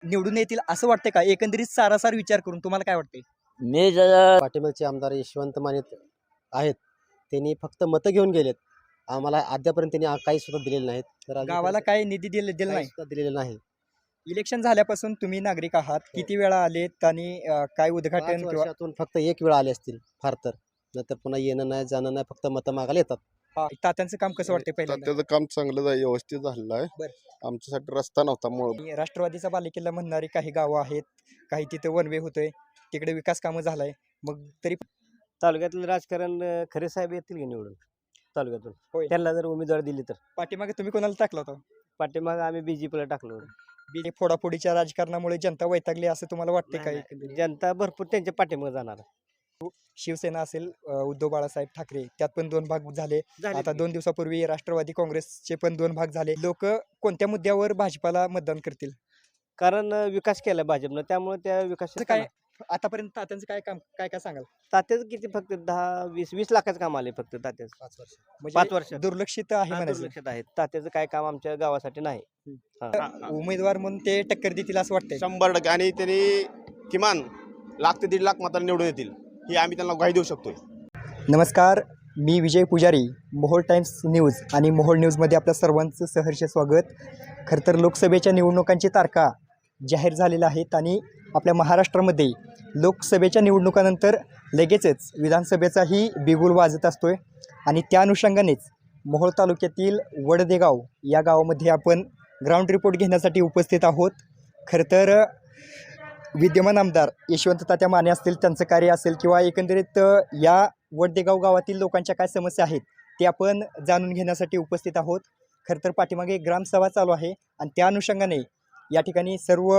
निवडून येतील असं वाटतंय का? एकंदरीत सारासार विचार करून तुम्हाला काय वाटतंय? मी जरा पाठिंबाचे आमदार यशवंत माने आहेत. त्यांनी फक्त मतं घेऊन गेलेत. आम्हाला अद्यापर्यंत त्यांनी काही सुद्धा दिलेले नाहीत. तर अजून गावाला काय निधी दिला काही नाही? सुद्धा दिलेलं नाही. इलेक्शन झाल्यापासून तुम्ही नागरिक आहात, किती वेळा आलेत आणि काय 5 उद्घाटन किंवा वर्षातून फक्त एक वेळ आले असतील फार तर. नाहीतर पुन्हा येणं नाही, जाणं नाही, फक्त मतं मागायला येतात. तात्यांचं काम कसं वाटतंय पहिल्यांदा? त्याचं काम चांगलं व्यवस्थित झालेलं आहे. बरं. आमच्यासाठी रस्ता नव्हता मूळ. आणि राष्ट्रवादीचा बालेकिल्ला म्हणणारी काही गावं आहेत, काही तिथे वन वे होतोय, तिकडे विकास कामं झालाय. मग तरी तालुक्यातलं राजकारण खरे साहेब येतील की निवडून तालुक्यातून. होय. त्यांना जर उमेदवार दिली तर पाठीमागे तुम्ही कोणाला टाकला होता? पाठीमागं आम्ही बीजेपीला टाकलो. बीजे फोडाफोडीच्या राजकारणामुळे जनता वैतागली असं तुम्हाला वाटतंय नाही, काय? नाही. जनता भरपूर त्यांच्या पाठीमागे जाणार. शिवसेना असेल, उद्धव बाळासाहेब ठाकरे, त्यात पण 2 भाग झाले. झाले आता की. 2 दिवसापूर्वी राष्ट्रवादी काँग्रेसचे पण 2 भाग झाले. लोक कोणत्या मुद्द्यावर भाजपाला मतदान करतील? कारण विकास केला भाजपनं, त्यामुळे त्या असं विकास काय आतापर्यंत तात्यांचं काय काम काय काय सांगाल? तात्याच किती फक्त 10-20 लाखाचं काम आले फक्त तात्याच 5 वर्ष. म्हणजे 5 वर्ष दुर्लक्षित आहे म्हणायचं. लक्षात आहेत. तात्याचं काय काम आमच्या गावासाठी नाही. उमेदवार म्हणून ते टक्कर देतील असं वाटतंय. 100% आणि त्यांनी किमान 1 ते 1.5 लाख मतांनी निवडून येतील ही आम्ही त्यांना ग्वाही देऊ शकतोय. नमस्कार, मी विजय पुजारी, मोहोळ टाइम्स न्यूज आणि मोहोळ न्यूजमध्ये आपल्या सर्वांचं सहर्ष स्वागत. खरं तर लोकसभेच्या निवडणुकांची तारखा जाहीर झालेल्या आहेत आणि आपल्या महाराष्ट्रामध्ये लोकसभेच्या निवडणुकानंतर लगेचच विधानसभेचाही बिगुल वाजत असतोय आणि त्या अनुषंगानेच मोहोळ तालुक्यातील वडदेगाव या गावामध्ये आपण ग्राउंड रिपोर्ट घेण्यासाठी उपस्थित आहोत. खरं तर विद्यमान आमदार यशवंत तात्या माने असतील, त्यांचं कार्य असेल किंवा एकंदरीत या वडदेगाव गावातील लोकांच्या काय समस्या आहेत ते आपण जाणून घेण्यासाठी उपस्थित आहोत. खरं तर पाठीमागे एक ग्रामसभा चालू आहे आणि त्या अनुषंगाने या ठिकाणी सर्व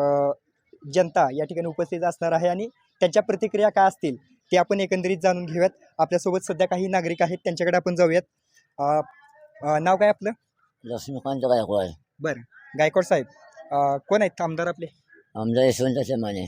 जनता या ठिकाणी उपस्थित असणार आहे आणि त्यांच्या प्रतिक्रिया काय असतील ते आपण एकंदरीत जाणून घेऊयात. आपल्यासोबत सध्या काही नागरिक आहेत, त्यांच्याकडे आपण जाऊयात. नाव काय आपलं? लक्ष्मीकांत गायकवाड. बरं, गायकवाड साहेब, कोण आहेत आमदार आपले? आमदार यशवंत माने.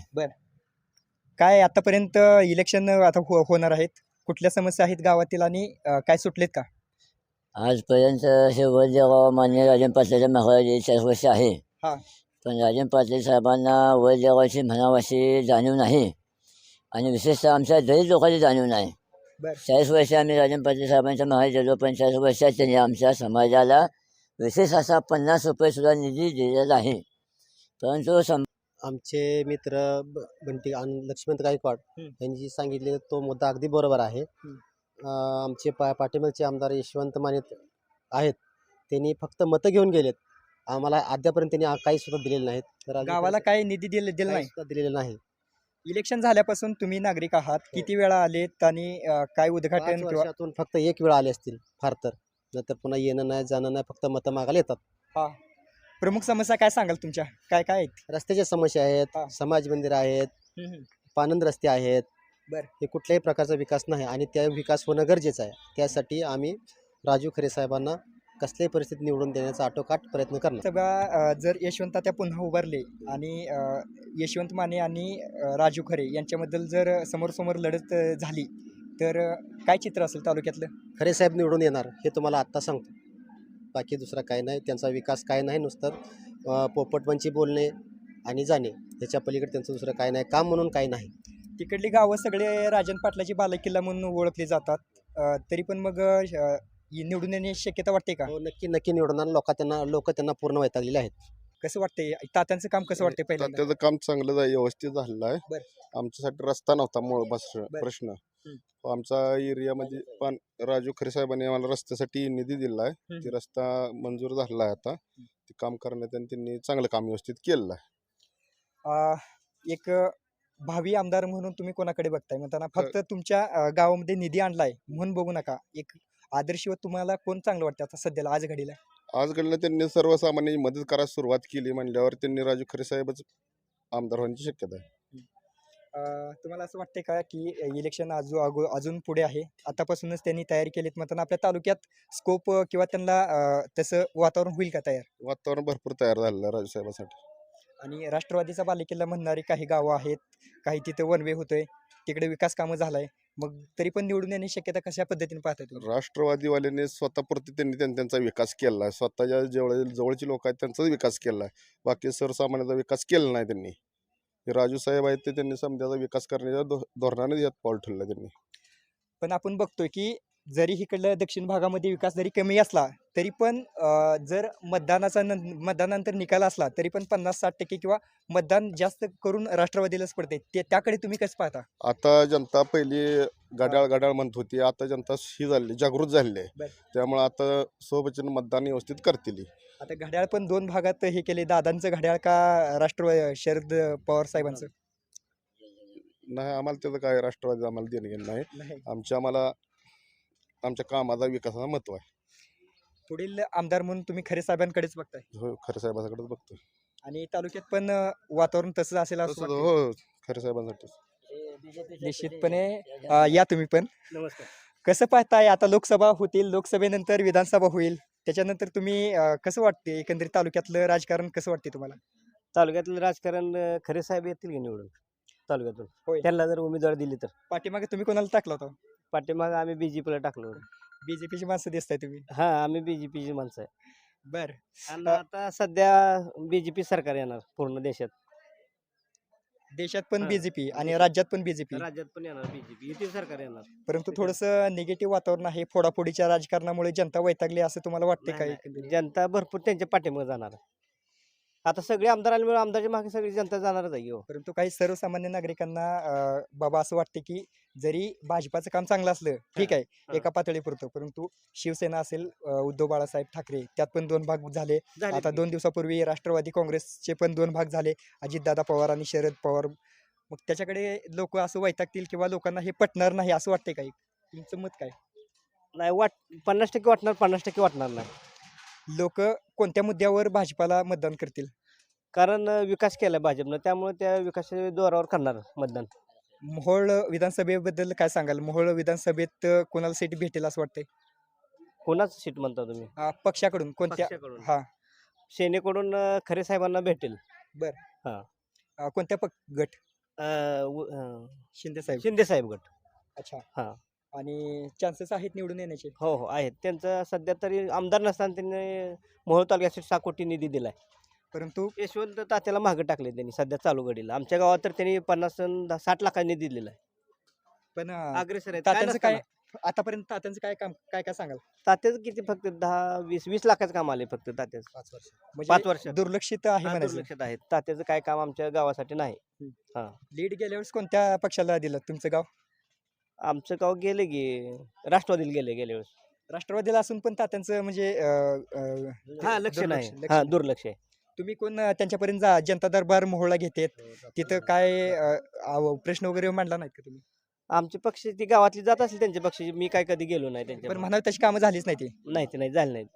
काय आतापर्यंत इलेक्शन आता होणार आहेत, कुठल्या समस्या आहेत गावातील आणि काय सुटलेत का? आजपर्यंत हे वैद्यगाव मान्य राजन पाटलाच्या महाराज 4 वर्ष आहे. हा. पण राजन पाटील साहेबांना वैद्यगावाची म्हणावाशी जाणीव नाही आणि विशेषतः आमच्या दलित लोकांची जाणीव नाही. बरं. 40 वर्ष आम्ही राजन पाटील साहेबांच्या महाराज गेलो, पण 40 वर्षात त्यांनी आमच्या समाजाला विशेष असा 50 रुपयेसुद्धा निधी दिलेला आहे. परंतु आमचे मित्र बंटी आणि लक्ष्मण गायकवाड यांनी सांगितले तो मुद्दा अगदी बरोबर आहे. आमचे पाठिंबाचे आमदार यशवंत माने आहेत. त्यांनी फक्त मतं घेऊन गेलेत. आम्हाला अद्यापर्यंत त्यांनी काही सुद्धा दिलेले नाहीत. तर अजून गावाला काय निधी दिला काही नाही? सुद्धा दिलेलं नाही. इलेक्शन झाल्यापासून तुम्ही नागरिक आहात, किती वेळा आलेत आणि काय 5 उद्घाटन किंवा वर्षातून फक्त एक वेळ आले असतील फार तर. नाहीतर पुन्हा येणं नाही, जाणं नाही, फक्त मतं मागायला येतात. प्रमुख समस्या काय सांगाल तुमच्या? काय काय आहेत? रस्त्याच्या समस्या आहेत, समाज मंदिर आहेत, पानंद रस्ते आहेत. बरं. हे कुठल्याही प्रकारचा विकास नाही आणि त्या विकास होणं गरजेचं आहे. त्यासाठी आम्ही राजू खरे साहेबांना कसल्याही परिस्थितीत निवडून देण्याचा आटोकाट प्रयत्न करणार. सभा जर यशवंत त्या पुन्हा उभारले आणि यशवंत माने आणि राजू खरे यांच्याबद्दल जर समोरासमोर लढत झाली तर काय चित्र असेल तालुक्यातलं? खरे साहेब निवडून येणार हे तुम्हाला आत्ता सांगतो. बाकी दुसरा काय नाही. त्यांचा विकास काय नाही, नुसतं पोपटपंची बोलणे आणि जाणे, ह्याच्या पलीकडे त्यांचं दुसरं काय नाही. काम म्हणून काही नाही. तिकडली गावं सगळे राजन पाटलाची बालेकिल्ला म्हणून ओळखली जातात. तरी पण मग निवडून येण्याची शक्यता वाटते का? हो, नक्की निवडणार. लोक त्यांना पूर्ण वैतागलेले आहेत. कसं वाटतंय तात्यांचं काम कसं वाटतंय पहिल्यांदा? त्याचं काम चांगलं व्यवस्थित झालेलं आहे. बरं. आमच्यासाठी रस्ता नव्हता मूळ बरं. प्रश्न. आमचा एरियामध्ये पण राजू खरे साहेबांनी आम्हाला रस्त्यासाठी निधी दिला आहे. ते रस्ता मंजूर झालेला आहे. आता ते काम करण्यात आणि त्यांनी चांगलं काम व्यवस्थित केलेलं आहे. एक भावी आमदार म्हणून तुम्ही कोणाकडे बघताय म्हणताना फक्त तुमच्या गावामध्ये निधी आणलाय म्हणून बघू नका, एक आदर्शवत तुम्हाला कोण चांगलं वाटतं आता सध्याला आज घडीला? आज घडलं त्यांनी सर्वसामान्य मदत करायला सुरुवात केली म्हणल्यावर त्यांनी राजू खरे साहेबच आमदार होण्याची शक्यता आहे. तुम्हाला असं वाटतंय का की इलेक्शन अजून पुढे आहे, आतापासूनच त्यांनी तयारी केलीत म्हणताना आपल्या तालुक्यात स्कोप किंवा त्यांना तसं वातावरण होईल का तयार? वातावरण भरपूर तयार झालेलं आहे राजू साहेबांसाठी. आणि राष्ट्रवादीचा बालेकिल्ला म्हणणारी काही गावं आहेत, काही तिथे वन वे होतोय, तिकडे विकास कामं झालाय. मग तरी पण निवडून येण्याची शक्यता कशा पद्धतीने पाहता तुम्ही? राष्ट्रवादीवाल्यांनी स्वतःपुरती त्यांनी त्यांचा विकास केला आहे. स्वतःच्या जवळची लोक आहेत त्यांचाच विकास केला आहे. बाकी सर्वसामान्याचा विकास केला नाही त्यांनी. हे राजू साहेब आहेत ते त्यांनी समजाचा विकास करण्याच्या धोरणाने यात पाऊल ठेवलं त्यांनी. पण आपण बघतोय की जरी इकडल्या दक्षिण भागामध्ये विकास जरी कमी असला तरी पण जर मतदानानंतर निकाल असला तरी पण 50-60% किंवा मतदान जास्त करून राष्ट्रवादीलाच पडते. त्याकडे तुम्ही कसं पाहता? आता जनता पहिली घड्याळ घड्याळ म्हणत होती, आता जनता ही झाली जागृत झालेली आहे. बरं. त्यामुळे आता सोबतचे मतदान व्यवस्थित करतील. आता घड्याळ पण 2 भागात हे केले, दादांचं घड्याळ का शरद पवार साहेबांचं? नाही, आम्हाला त्याचं काय राष्ट्रवादी आम्हाला देणं घेणं नाही. नाही. आमच्या कामाचा विकासाचा महत्व आहे. पुढील आमदार म्हणून तुम्ही खरे साहेबांकडेच बघताय हो, खरे साहेबांकडे बघतो. आणि तालुक्यात पण वातावरण तसंच असेल असं तसंच वाटतंय. हो, खरे साहेबांसाठी. निश्चितपणे या तुम्ही पण. नमस्कार. कसं पाहताय आता लोकसभा होतील, लोकसभेनंतर विधानसभा होईल, त्याच्यानंतर तुम्ही कसं वाटते एकंदरीत तालुक्यातलं राजकारण कसं वाटते तुम्हाला? तालुक्यातलं राजकारण खरे साहेब येतील की निवडून तालुक्यातून. होय. त्यांना जर उमेदवार दिली तर. पाठीमागे तुम्ही कोणाला टाकला होता? पाठीमागं आम्ही बीजेपीला टाकलो. बीजेपीची माणसं दिसताय तुम्ही. हा, आम्ही बीजेपीची माणसं आहे. बर. आणि आता सध्या बीजेपी सरकार येणार पूर्ण देशात. देशात पण हा. बीजेपी आणि राज्यात पण बीजेपी, राज्यात पण येणार बीजेपी, युती सरकार येणार. परंतु थोडंसं निगेटिव्ह वातावरण आहे. फोडाफोडीच्या राजकारणामुळे जनता वैतागली असं तुम्हाला वाटते नाही, काय नाही. एकंदरीत? जनता भरपूर त्यांच्या पाठीमागे जाणार आहे. आता सगळे आमदार आल्यामुळे आमदारच्या मागे सगळी जनता जाणारच आहे हो. परंतु काही सर्वसामान्य नागरिकांना बाबा असं वाटते की जरी भाजपाचं काम चांगलं असलं ठीक आहे हा. एका पातळीपुरतं, परंतु शिवसेना असेल, उद्धव बाळासाहेब ठाकरे त्यात पण 2 भाग झाले. झाले आता की. 2 दिवसापूर्वी राष्ट्रवादी काँग्रेसचे पण 2 भाग झाले, अजितदादा पवार आणि शरद पवार. मग त्याच्याकडे लोक असं वैतागतील किंवा लोकांना हे पटणार नाही असं वाटतंय काही? तुमचं मत काय? नाही 50% वाटणार, 50% वाटणार नाही. लोक कोणत्या मुद्द्यावर भाजपाला मतदान करतील? कारण विकास केला भाजपनं, त्यामुळे त्या विकासाच्या जोरावर करणार मतदान. मोहोळ विधानसभेबद्दल काय सांगाल? मोहोळ विधानसभेत कोणाला सीट भेटेल असं वाटतंय? कोणाच सीट म्हणता तुम्ही? पक्षाकडून कोणत्या? पक्षाकडून. हा. सेनेकडून खरे साहेबांना भेटेल. कोणत्या गट? शिंदे साहेब. शिंदे साहेब गट. अच्छा. हा. आणि चान्सेस आहेत निवडून येण्याचे? हो हो आहेत. त्यांचं सध्या तरी आमदार नसताना त्यांनी मोहोळ तालुक्यासाठी 6 कोटी निधी दिलाय. परंतु यशवंत तात्याला मागे टाकले त्यांनी सध्या चालू घडीला. आमच्या गावात तर त्यांनी 50 अन् 60 लाखांनी निधी दिलेला आहे. पण अग्रेसर आहेत. तात्यांचं काय नसताना. आतापर्यंत तात्यांचं काय काम काय काय सांगाल? तात्याचं किती फक्त 10-20 लाखाचं काम आले फक्त तात्याचं. 5 म्हणजे वर्ष. दुर्लक्षित आहे म्हणायचं. दुर्लक्षित आहेत. तात्याचं काय काम आमच्या गावासाठी नाही. लीड गेल्या वेळेस कोणत्या पक्षाला दिलं तुमचं गाव? आमचं गाव गेले की राष्ट्रवादीला गेल्या वेळेस. राष्ट्रवादीला असून पण तात्यांचं म्हणजे हा, लक्ष नाही. लक्ष हा, नाही. दुर्लक्ष आहे. तुम्ही कोण त्यांच्यापर्यंत जनता दरबार मोहोळला घेतात तिथं काय प्रश्न वगैरे मांडला नाहीत का तुम्ही? आमचे पक्ष ती गावातली जात असेल त्यांच्या पक्षाची, मी काय कधी गेलो नाही पण त्यांच्या. म्हणाल तशी कामं झालीच नाही ती. नाही ते नाही झालं नाही.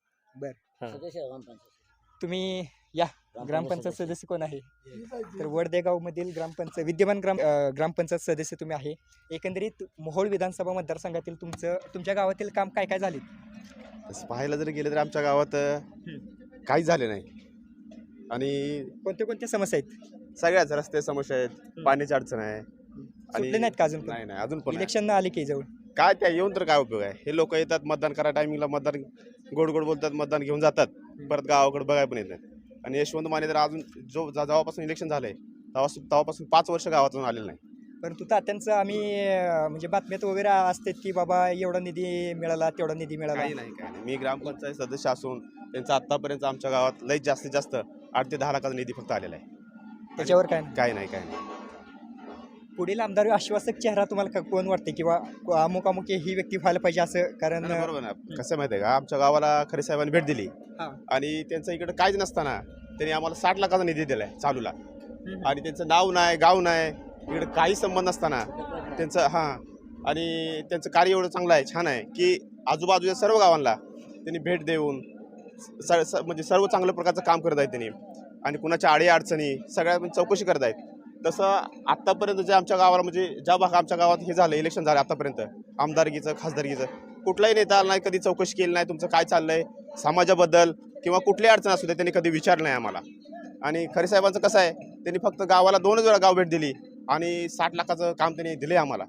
तुम्ही या ग्रामपंचायत सदस्य कोण आहे? तर वडदेगाव मधील विद्यमान ग्रामपंचायत सदस्य तुम्ही आहे. एकंदरीत मोहोळ विधानसभा मतदारसंघातील तुमच्या गावातील काम काय काय झाले? तसं पाहायला जर गेलं तर आमच्या गावात काही झाले नाही. आणि कोणत्या समस्या आहेत? सगळ्याच रस्ते समस्या आहेत, पाण्याची अडचण आहे. सुटले नाहीत का अजून? नाही अजून पण आहे. इलेक्शन आले की जवळ काय त्या येऊन तर काय उपयोग आहे? हे लोक येतात मतदान करा टायमिंगला, मतदान गोड गोड बोलतात, मतदान घेऊन जातात, परत गावाकडे बघायला पण येत नाही. आणि यशवंत माने तर अजून जेव्हापासून इलेक्शन झालंय तेव्हापासून 5 वर्ष गावातून आलेलं नाही. परंतु तात्यांचं आम्ही म्हणजे बातम्यात वगैरे असतात की बाबा एवढा निधी मिळाला तेवढा निधी मिळाला. काही नाही. मी ग्रामपंचायत सदस्य असून त्यांचा आतापर्यंत आमच्या गावात लई जास्तीत जास्त 8 ते 10 लाखाचा निधी फक्त आलेला आहे. त्याच्यावर काय नाही. काही नाही. पुढील आमदार आश्वासक चेहरा तुम्हाला कोण वाटते किंवा अमुक ही व्यक्ती व्हायला पाहिजे असं? कारण बरोबर ना. कसं माहिती आहे का, आमच्या गावाला खरे साहेबांनी भेट दिली हा. आणि त्यांचं इकडे काहीच नसताना त्यांनी आम्हाला 60 लाखाचा निधी दिलाय चालूला. आणि त्यांचं नाव नाही, गाव नाही, इकडे काही संबंध नसताना आणि त्यांचं कार्य एवढं चांगलं आहे, छान आहे की आजूबाजूच्या सर्व गावांना त्यांनी भेट देऊन म्हणजे सर्व चांगल्या प्रकारचं काम करत आहेत त्यांनी. आणि कुणाच्या आडी अडचणी सगळ्या चौकशी करत आहेत. तसं आत्तापर्यंत जे आमच्या गावाला म्हणजे ज्या भाग आमच्या गावात हे झालं इलेक्शन झालं आतापर्यंत आमदारकीचं खासदारकीचं कुठलाही नेता आला नाही, कधी चौकशी केली नाही, तुमचं काय चाललंय समाजाबद्दल किंवा कुठलीही अडचण असू दे त्यांनी कधी विचारलं नाही आम्हाला. आणि खरे साहेबांचं कसं आहे, त्यांनी फक्त गावाला 2 वेळा गाव भेट दिली आणि 60 लाखाचं काम त्यांनी दिले आम्हाला.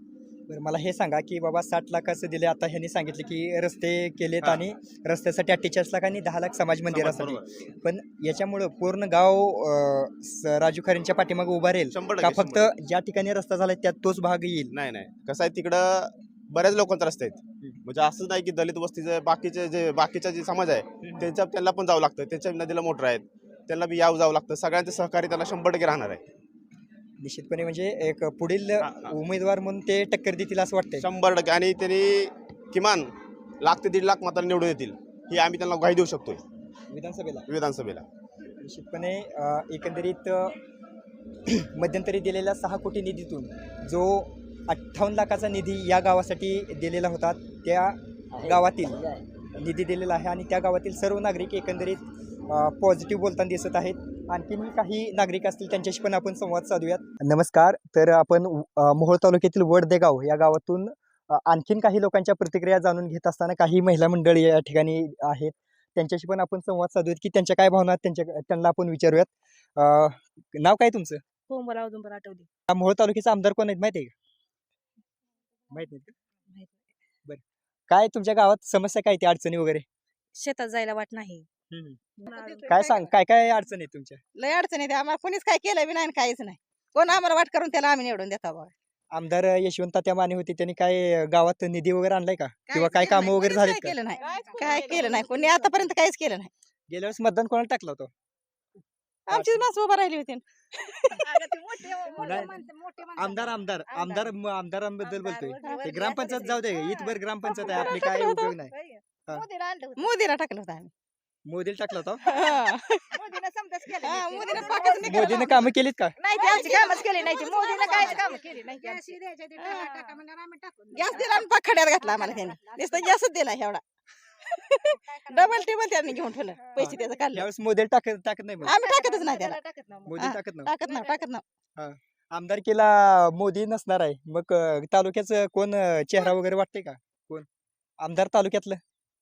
बरं मला हे सांगा की बाबा 60 लाखाचं दिले, आता ह्यांनी सांगितलं की रस्ते केलेत हा. आणि रस्त्यासाठी 48 लाख आणि 10 लाख समाज मंदिरासाठी. बरोबर. पण याच्यामुळं पूर्ण गाव राजू खरेंच्या पाठीमागे उभा राहील 100% का फक्त 100%. ज्या ठिकाणी रस्ता झालाय त्यात तोच भाग येईल? नाही नाही, कसं आहे तिकडं बऱ्याच लोकांचे रस्ते आहेत. म्हणजे असं नाही की दलित वस्तीचे बाकीचा जे समाज आहे त्यांना पण जावं लागतं. त्यांच्या नदीला मोटर आहेत, त्यांना बी जावं लागतं. सगळ्यांचं सहकार्य त्यांना 100% राहणार आहे. निश्चितपणे म्हणजे एक पुढील हा, हा. उमेदवार म्हणून ते टक्कर देतील असं वाटतंय. 100%. आणि त्यांनी किमान 1 ते 1.5 लाख मतांनी निवडून येतील ही आम्ही त्यांना ग्वाही देऊ शकतो विधानसभेला विधानसभेला. निश्चितपणे एकंदरीत मध्यंतरी दिलेल्या 6 कोटी निधीतून जो 58 लाखाचा निधी या गावासाठी दिलेला होता, त्या गावातील निधी दिलेला आहे आणि त्या गावातील सर्व नागरिक एकंदरीत पॉझिटिव्ह बोलताना दिसत आहेत. आणखीन काही नागरिक असतील त्यांच्याशी पण आपण संवाद साधूयात. नमस्कार. तर आपण मोहोळ तालुक्यातील वडदेगाव या गावातून आणखीन काही लोकांच्या प्रतिक्रिया जाणून घेत असताना काही महिला मंडळी या ठिकाणी आहेत, त्यांच्याशी पण आपण संवाद साधूयात की त्यांच्या काय भावना आहेत त्यांना आपण विचारूयात. नाव काय तुमचं? कोंबला औदुंबर आठवली. मोहोळ तालुक्याचे आमदार कोण आहेत माहिती आहे का? माहित नाही का? माहित बरं. काय तुमच्या गावात समस्या काय, ती अडचणी वगैरे? शेतात जायला वाट नाही. काय सांग, काय काय अडचणी आहेत तुमच्या? लय अडचण येते आम्हाला, कोणीच काय केलं बी नाही आणि काहीच नाही. कोण आम्हाला वाट करून त्याला आम्ही निवडून देतो बघा. आमदार यशवंत तात्या माने होते, त्यांनी काय गावात निधी वगैरे आणलाय का, किंवा काय केलं कामं नाही, वगैरे कोणीच झालीत काय का? केलं नाही, काय केलं नाही कोणी आतापर्यंत काहीच केलं नाही. गेल्या वेळेस मतदान कोणाला टाकलं होतं? आमचीच माणसं उभं राहिली होती. आमदारांबद्दल बोलतोय. ते ग्रामपंचायत जाऊ दे, इथभर ग्रामपंचायत आहे आपली, काय उपयोग नाही. हा. मोदीला टाकलं होतं आम्ही. मोदीला टाकलं होतं. हा. मोदीनं पाकच नाही केलं. मोदीने कामं केलीत का? नाही ते आमची कामच केली नाही ती. मोदीनं काहीच काम केली नाही. गॅस दिला आणि पाक खड्यात घातला आम्हाला त्याने. नुसतं गॅसच दिला एवढा. डबल टेबल त्यांनी घेऊन ठेवलं, पैसे त्याचं काढलं. यावेळेस मोदीला टाकत नाही मग. आम्ही टाकतच नाही त्याला. मोदी हा. टाकत नाही. टाकत नाही. आमदारकीला मोदी नसणार आहे, मग तालुक्याचं कोण चेहरा वगैरे वाटते का? कोण आमदार तालुक्यातलं?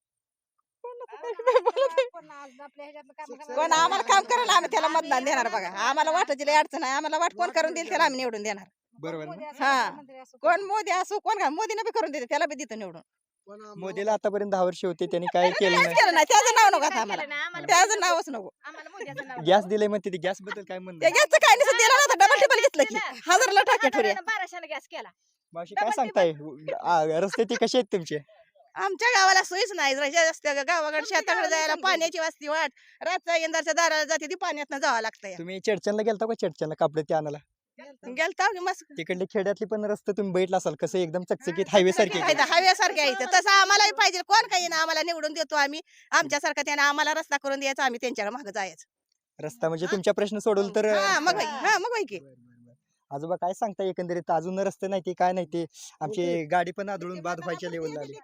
कोण आम्हाला काम करायला आम्ही त्याला मतदान देणार बघा. आम्हाला वाटायची लय अडचण आहे. आम्हाला वाट कोण करून देईल त्याला आम्ही निवडून देणार. बरोबर ना? हा. कोण मोदी असो कोण का मोदीनं बी करून देते त्याला बी देतो निवडून. मोदीला आतापर्यंत 10 वर्ष होते, त्यांनी काय केलं काहीच नाही. केलं नाही. त्याचं नाव नको आता आम्हाला. त्याचं नावच नको. गॅस दिले म्हणते, गॅस बद्दल काय म्हणणं त्या आहे? गॅसचं काय नाही दिलं नव्हतं. डबल टेबल घेतलं की 1000ला टाक्या ठोऱ्या. 1200 गॅस केला. मावशी काय सांगताय, रस्ते ते कसे आहेत तुमचे? आमच्या गावाला सोयीच नाही. गावाकडे शेताकडे जायला पाण्याची वाजती वाट. रातचा यंदाच्या दाराला जाते ती पाण्यातनं जावं लागतं. तुम्ही चेडचनला गेलता का? चेडचनला कापडे ते आणायला गेलता की मस्त तिकडले खेड्यातली पण रस्ते तुम्ही बघितला असाल, कसं एकदम चकचकीत हायवे सारखे आहेत. हव्यासारखे आहे तसं आम्हालाही पाहिजे. कोण काही ना आम्हाला निवडून देतो आम्ही. आमच्यासारखा त्याने आम्हाला रस्ता करून द्यायचा, आम्ही त्यांच्याकडे मागे जायचं. रस्ता म्हणजे तुमच्या प्रश्न सोडवलं तर मग होय की. आजोबा काय सांगता, एकंदरीत अजून रस्ते नाही ते काय नाही ते, आमची गाडी पण आदळून बाद व्हायच्या लेवलला आली.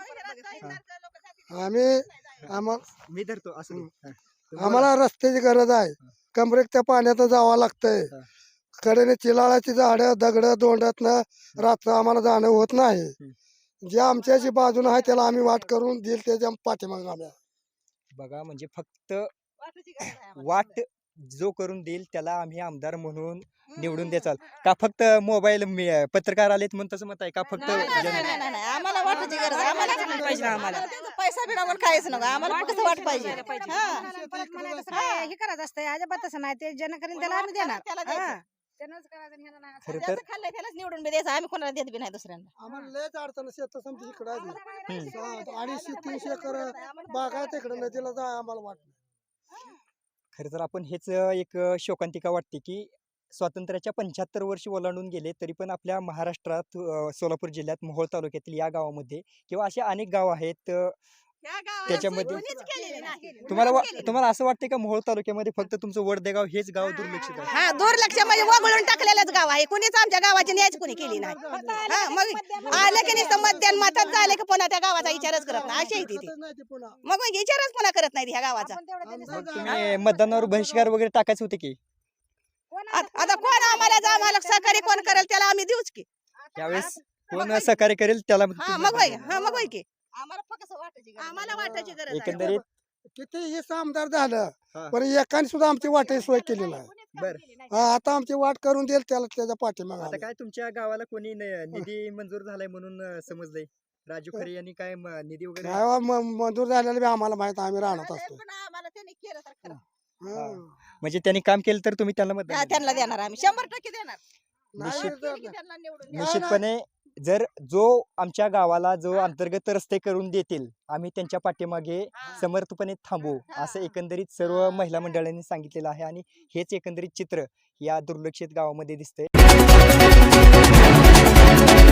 आम्ही मी धरतो असं नाही. हा. तुम्ही आम्हाला रस्त्याची गरज आहे. कमरेक त्या पाण्यात जावं लागतंय. हा. कडेने चिलाळाची झाडं दगड दोंडातनं रात्र आम्हाला जाणं होत नाही. जे आमच्याची बाजूने आहे त्याला आम्ही वाट करून देईल त्याच्या पाठीमागे आम्ही. बघा म्हणजे फक्त वाट जो करून देईल त्याला आम्ही आमदार म्हणून निवडून द्याचाल का? फक्त मोबाईल पत्रकार आलेत म्हणून तसं मत आहे का? फक्त नाही आम्हाला वाटायची गरज आहे. आम्हाला पाहिजे. आम्हाला पैसा बी नको काहीच नको. आम्हाला कसं वाट पाहिजे. हे करायचं असतं अजिबात तसं नाही. ते जन करीन त्याला आम्ही देणार. खरं तर खाल्लंय त्यालाच निवडून बी द्यायचं. आम्ही कोणाला देत बी नाही दुसऱ्यांना. आम्हाला लयच अडचण शेत समजा इकडे आहे. 250-300 एकर बाग आहे तिकडे नदीला जाय आम्हाला वाट. खरं तर आपण हेच एक शोकांतिका वाटते की स्वातंत्र्याच्या 75 वर्ष ओलांडून गेले तरी पण आपल्या महाराष्ट्रात सोलापूर जिल्ह्यात मोहोळ तालुक्यातील या गावामध्ये किंवा असे अनेक गाव आहेत, त्याच्यामध्ये तुम्हाला असं वाटतं का मोहोळ तालुक्यामध्ये फक्त तुमचं वडदेगाव हेच गाव दुर्लक्षित आहे? हा दुर्लक्ष म्हणजे वगळून टाकलेलंच गाव आहे. कुणीच आमच्या गावाची न्यायच कुणी केली नाही. हा मग आलं की नुसतं मतदान मातात झालं की पुन्हा त्या गावाचा विचारच करत नाही. अशी आहे ती. मग विचारच पुन्हा करत नाही ह्या गावाचा. मग तुम्ही मतदानावर बहिष्कार वगैरे टाकायचे होते की? आता कोण आम्हाला सहकार्य कोण करेल त्याला आम्ही देऊच की. यावेळेस कोण सहकार्य करेल त्याला मग होय की. आम्हाला वाटायची गरज आहे. एकंदरीत किती हे आमदार झालं हा. पण एकाने सुद्धा आमची वाटायची सोय केली नाही. बर आता आमची वाट करून देईल त्याला त्याच्या पाठीमागे आता आम्ही. काय तुमच्या गावाला कोणी निधी मंजूर झालाय म्हणून समजलंय राजू खरे यांनी काय निधी वगैरे काय बा, मंजूर झालेलं बी आम्हाला माहित आम्ही राहणार असतो आम्हाला त्यांनी केलं तर खरं. हा. म्हणजे त्यांनी काम केलं तर तुम्ही त्यांना मतदान हा, देणार? त्यांना देणार आम्ही 100% देणार निश्चित केली की त्यांना निवडून देणार. निश्चितपणे जर जो आमच्या गावाला जो अंतर्गत रस्ते करून देतील आम्ही त्यांच्या पाठीमागे समर्थपणे थांबू असं एकंदरीत सर्व महिला मंडळांनी सांगितलेलं आहे आणि हेच एकंदरीत चित्र या दुर्लक्षित गावामध्ये दिसतंय.